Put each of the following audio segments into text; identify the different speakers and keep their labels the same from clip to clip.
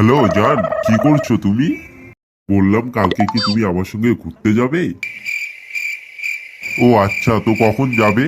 Speaker 1: Hello জান, কি করছো তুমি? বললাম কালকে কি তুমি আমার সঙ্গে ঘুরতে যাবে? ও আচ্ছা, তো কখন যাবে?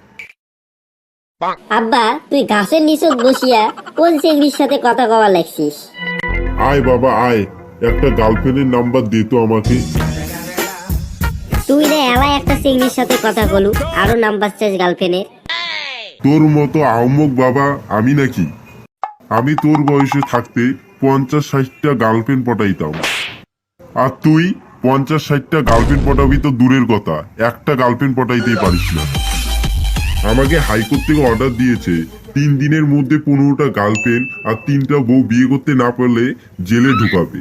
Speaker 2: আব্বা, তুই গাছের নিচত বসিয়া কোন চেংড়ির সাথে কথা কওয়া লাগছিস?
Speaker 1: আয় বাবা আয়, একটা গার্লফ্রেন্ডের নাম্বার দে তো আমাকে।
Speaker 2: তুই রে এলা একটা চেংড়ির সাথে কথা কলু, আরো নাম্বার চাস গার্লফ্রেন্ডের?
Speaker 1: তোর মতো আহম্মক বাবা আমি নাকি? আমি তোর বয়সে থাকতে 50-60টা গার্লফ্রেন্ড পটাইতাম, আর তুই 50-60টা গার্লফ্রেন্ড পটাবি তো দূরের কথা, একটা গার্লফ্রেন্ড পটাইতেই পারিস না। আমাকে হাইকোর্ট থেকে অর্ডার দিয়েছে 3 দিনের মধ্যে 15টা গার্লফ্রেন্ড আর 3টা বউ বিয়ে করতে না পারলে জেলে ঢুকাবে।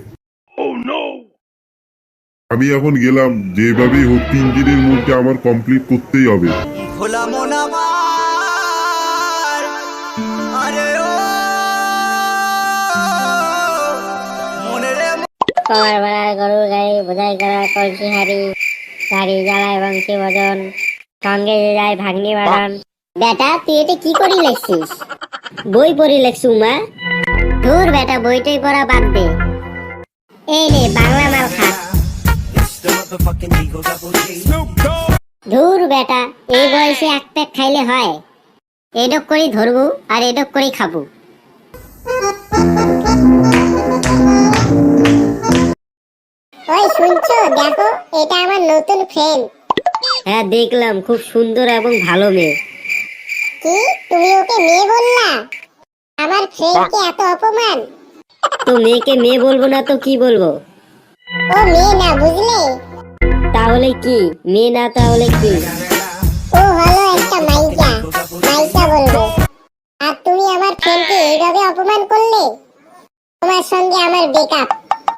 Speaker 1: আমি এখন গেলাম, যেভাবেই হোক 3 দিনের মধ্যে আমার কমপ্লিট করতেই হবে।
Speaker 3: ভোলা মন আমার, আরে ও মনে রে
Speaker 2: কমার ভাড়া, গরুর গাড়ি, বোঝাই করা কলসি হাড়ি, গাড়ি জ্বালায় বংশী ভজন, সঙ্গে যে যায় ভাগ্নি বাড়ান। বেটা, তুই এটা কি করি লেখছিস? বই পড়ি লেখছু মা? ধুর বেটা, বইটাই পড়া বাদ দে। এই রে বাংলা মাল খা। ধুর বেটা, এই বয়সে এক প্যাক খাইলে হয়? এডক করি ধরবো আর এডক করি খাবো। ওই শুনছো, দেখো এটা আমার নতুন ফ্রেন্ড। হ্যাঁ দেখলাম, খুব সুন্দর এবং ভালো মেয়ে। কি, তুমি ওকে মেয়ে বললা? আমার ফ্রেন্ডকে এত অপমান! তো মেয়েকে মেয়ে বলবো না তো কি বলবো? ও মেয়ে না, বুঝলে? তাহলে কি? মেয়ে না তাহলে কি? ও হলো একটা মাইকা, মাইকা বলবো। আর তুমি আমার ফ্রেন্ডকে এইভাবে অপমান করলে? তোমার সঙ্গে আমার ব্রেকআপ।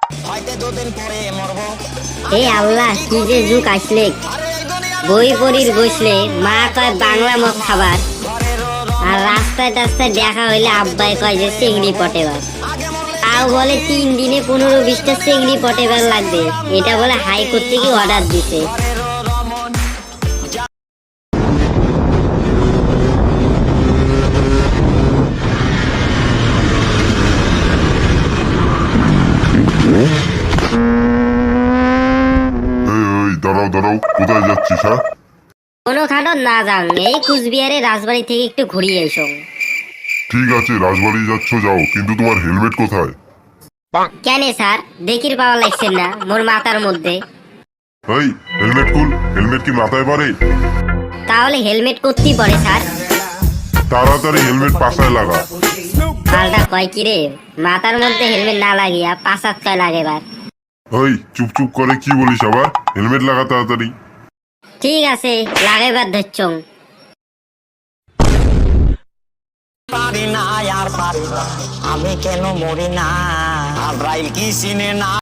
Speaker 2: এই আল্লাহ, কি যে যুগ আসলে! বই পড়ির বসলে মা কয় বাংলা মদ খাবার, আর রাস্তায় টাস্তায় দেখা হইলে আব্বাই কয় যে চিংড়ি পটেবার। তাও বলে 3 দিনে 15-20টা চিংড়ি পটেবার লাগবে, এটা বলে হাইকোর্ট থেকে অর্ডার দিছে।
Speaker 1: এই দাঁড়াও দাঁড়াও, কোথায় যাচ্ছিস? হ্যাঁ
Speaker 2: কোনো খাটো না যান, এই কুচবিহারে রাজবাড়ি থেকে একটু ঘুরিয়ে এসো।
Speaker 1: ঠিক আছে, রাজবাড়ি যাচ্ছ যাও, কিন্তু তোমার হেলমেট কোথায়?
Speaker 2: কেন স্যার, দেখির পাওয়া লাগছে না মোর মাথার মধ্যে?
Speaker 1: এই হেলমেট খুল, হেলমেট কি মাথায় পারে?
Speaker 2: তাহলে হেলমেট করতেই পড়ে স্যার।
Speaker 1: তাড়াতাড়ি হেলমেট পাশায় লাগা।
Speaker 2: পাল্টা কয় কি রে, মাথার মধ্যে হেলমেট না লাগিয়া পাশাত কয় লাগেবার।
Speaker 1: ওই চুপ চুপ করে কি বলিস আবার? হেলমেট লাগা তাড়াতাড়ি।
Speaker 2: ঠিক আছে, লাগাইবার ধরছং।
Speaker 3: পারি না আর পারি না, আমি কেন মরি না, আব্রাইল কি চিনে না।